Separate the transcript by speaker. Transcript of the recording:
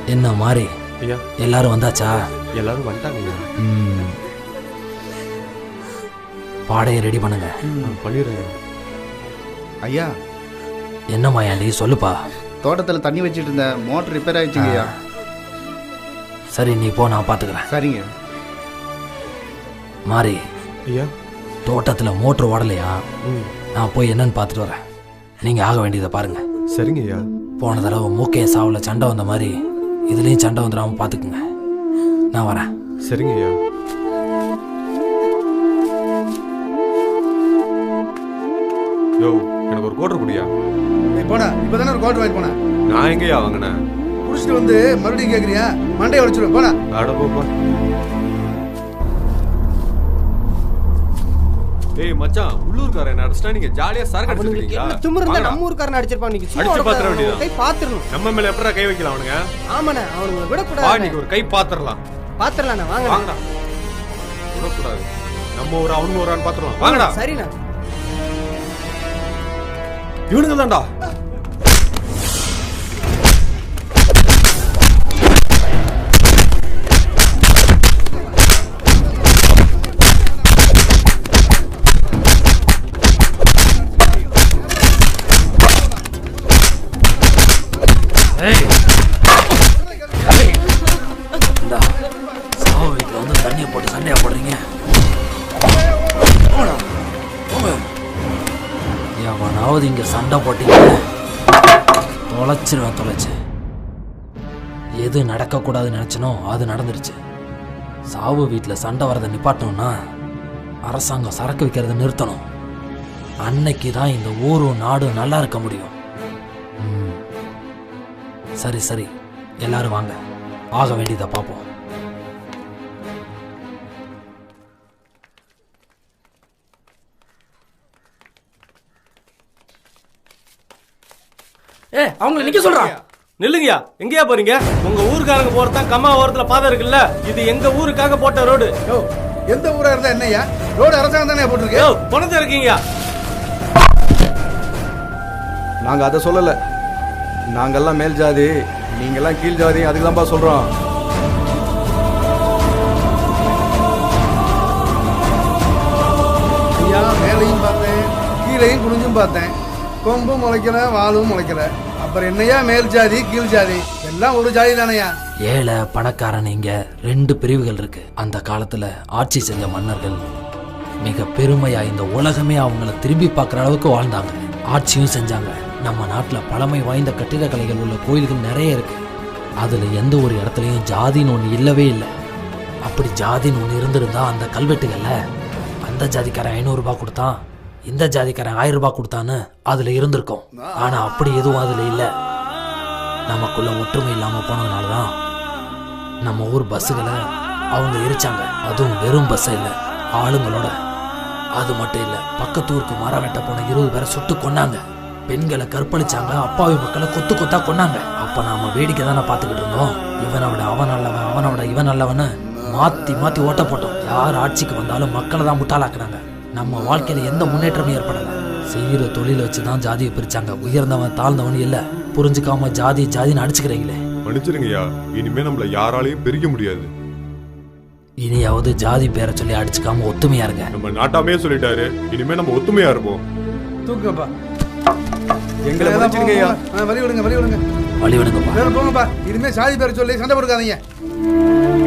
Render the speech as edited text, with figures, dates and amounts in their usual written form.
Speaker 1: என்ன மாதிரி
Speaker 2: ஐயா
Speaker 1: எல்லாரும் வந்தாச்சா?
Speaker 2: எல்லாரும் வந்துட்டாங்க.
Speaker 1: பாடையை ரெடி பண்ணுங்க.
Speaker 2: பண்ணிடுறேன்
Speaker 3: ஐயா.
Speaker 1: என்ன மாயாண்டி சொல்லுப்பா.
Speaker 3: தோட்டத்தில் தண்ணி வச்சுட்டு இருந்த மோட்டர் ரிப்பேர் ஆயிடுச்சுங்க ஐயா.
Speaker 1: சரி நீ போ, நான் பார்த்துக்கிறேன்.
Speaker 3: சரிங்க.
Speaker 1: மாறி
Speaker 2: ஐயா
Speaker 1: தோட்டத்தில் மோட்டர் ஓடலையா? நான் போய் என்னன்னு பார்த்துட்டு வரேன். நீங்கள் ஆக வேண்டியதை பாருங்க.
Speaker 2: சரிங்க ஐயா.
Speaker 1: போன தடவை மூக்கைய சாவில் சண்டை வந்த மாதிரி இதுலேயும் சண்டை வந்துடாமல் பார்த்துக்குங்க. நான் வரேன்.
Speaker 2: சரிங்க ஐயா. யோ எனக்கு ஒரு கோட்டர் குடியா.
Speaker 3: போனா இப்போ தானே ஒரு கோட்டர் வாங்கி போனேன்.
Speaker 2: நான் எங்கேயா வாங்கினேன்?
Speaker 3: குடிச்சிட்டு வந்து மறுபடியும் கேட்குறியா? மண்டையை உடைச்சிடும். போனா
Speaker 2: அட போப்பா. ஏய் மச்சான், உள்ளூர்காரன் என்ன அடிச்சா நீங்க ஜாலியா சரக்கு அடிச்சிருக்கீங்களா?
Speaker 4: திமிருந்தா நம்ம ஊர்காரன் அடிச்சிருப்பான். நீங்க சும்மா
Speaker 2: அடிச்சு பாத்துற வேண்டியதா?
Speaker 4: கை பாத்துறணும்.
Speaker 2: நம்ம மேல எப்பறா கை வைக்கலாம் அவனுங்க?
Speaker 4: ஆமாண்ணே, அவனுங்க விட
Speaker 2: வா
Speaker 4: கூடாது.
Speaker 2: நீங்க ஒரு கை பாத்துறலாம்.
Speaker 4: பாத்துறலாம்ண்ணே, வாங்க.
Speaker 2: வாங்கடா. விட கூடாது. நம்ம ஒரு அவனுங்க ஒருன்னு பாத்துறலாம். வாங்கடா.
Speaker 4: சரிண்ணே.
Speaker 2: இவனுங்க தான்டா.
Speaker 1: சாவு வீட்டில் வந்து தண்ணியை போட்டு சண்டையா போடுறீங்க. எவனாவது இங்க சண்டை போட்டீங்க தொலைச்சு. எது நடக்கக்கூடாதுன்னு நினைச்சனோ அது நடந்துருச்சு. சாவு வீட்டில் சண்டை வரதை நிப்பாட்டணும்னா அரசாங்கம் சரக்கு வைக்கிறத நிறுத்தணும். அன்னைக்கு தான் இந்த ஊரும் நாடும் நல்லா இருக்க முடியும். சரி எல்லாரும் வாங்க, ஆக வேண்டியதை பார்ப்போம்.
Speaker 5: அவங்க நிக்க சொல்றான்.
Speaker 2: நில்லுங்கயா. எங்கயா போறீங்க? உங்க ஊருக்காரங்க போறதான் கம்மா ஓரத்துல பாதை இருக்குல்ல, இது எங்க ஊருக்காக போட்ட ரோடு.
Speaker 3: எந்த ஊரா இருந்தா என்னையா? ரோடு அரசாங்கம் தானே போட்டுருக்கு.
Speaker 2: பணத்தை இருக்கீங்க.
Speaker 6: நாங்க அதை சொல்லல. நாங்கெல்லாம் மேல் ஜாதி, நீங்கெல்லாம் கீழ் ஜாதி, அதுக்கு தான்ப்பா சொல்றோம்.
Speaker 3: ஐயா, மேலையும் பார்த்தேன், கீழையும் குனிஞ்சும் பார்த்தேன். கொம்பும் முளைக்கல, வாலும் முளைக்கல. அப்புறம் என்னையா மேல் ஜாதி கீழ் ஜாதி? எல்லாம் ஒரு ஜாதி தானையா?
Speaker 1: ஏழை பணக்காரன் இங்க 2 பிரிவுகள் இருக்கு. அந்த காலத்துல ஆட்சி செஞ்ச மன்னர்கள் மிக பெருமையா இந்த உலகமே அவங்கள திரும்பி பார்க்குற அளவுக்கு வாழ்ந்தாங்க, ஆட்சியும் செஞ்சாங்க. நம்ம நாட்டுல பழமை வாய்ந்த கட்டிடக்கலைகள் உள்ள கோயில்கள் நிறைய இருக்கு. அதுல எந்த ஒரு இடத்துலயும் ஜாதின்னு ஒண்ணு இல்லவே இல்லை. அப்படி ஜாதின்னு ஒண்ணு இருந்திருந்தா அந்த கல்வெட்டுகள்ல அந்த ஜாதிக்காரன் 500 ரூபாய் கொடுத்தான், இந்த ஜாதிக்காரன் 1000 ரூபாய் கொடுத்தான்னு அதுல இருந்திருக்கும். ஆனா அப்படி எதுவும் அதுல இல்ல. நமக்குள்ள ஒற்றுமை இல்லாம போனதுனாலதான் நம்ம ஊர் பஸ்ஸுகளை அவங்க எரிச்சாங்க. அதுவும் வெறும் பஸ் இல்ல, ஆளுங்களோட. அது மட்டும் இல்ல, பக்கத்து ஊருக்கு மரம் வெட்ட போன 20 பேரை சுட்டு கொன்னாங்க. பெண்களை கற்பழிச்சாங்க, அப்பாவி மக்களை கொத்து கொத்தா கொன்னாங்க. அப்ப நாம வேடிக்கை தானே பார்த்துக்கிட்டு இருந்தோம். இவனை விட அவன் நல்லவன், அவனை விட இவன் நல்லவன்னு மாத்தி ஓட்ட போட்டோம். யார் ஆட்சிக்கு வந்தாலும் மக்களை தான் முட்டாளாக்குனாங்க. நம்ம வாழ்க்கையில எந்த முன்னேற்றமும் ஏற்படல. செய்யற தொழில வச்சுதான் ஜாதியை பிரிச்சாங்க. உயர்ந்தவன் தாழ்ந்தவன் இல்ல. புரிஞ்சுக்காம ஜாதின்னு அடிச்சுக்கிறீங்களே.
Speaker 2: மன்னிச்சிருங்கய்யா. இனிமே நம்மள யாராலையும் பிரிக்க முடியாது.
Speaker 1: இனியாவது ஜாதி பேரை சொல்லி அடிச்சுக்காம ஒத்துமையா இருங்க.
Speaker 2: நம்ம நாட்டாமே சொல்லிட்டாரு, இனிமே நம்ம ஒத்துமையா இருப்போம்.
Speaker 3: தூக்குங்கப்பா.
Speaker 6: எங்களை மன்னிச்சிருங்கய்யா.
Speaker 3: வழி விடுங்க.
Speaker 1: வழி விடுங்கப்பா.
Speaker 3: போங்கப்பா. இனிமே சாதி பேரை சொல்லி சண்டை போடுக்காதீங்க.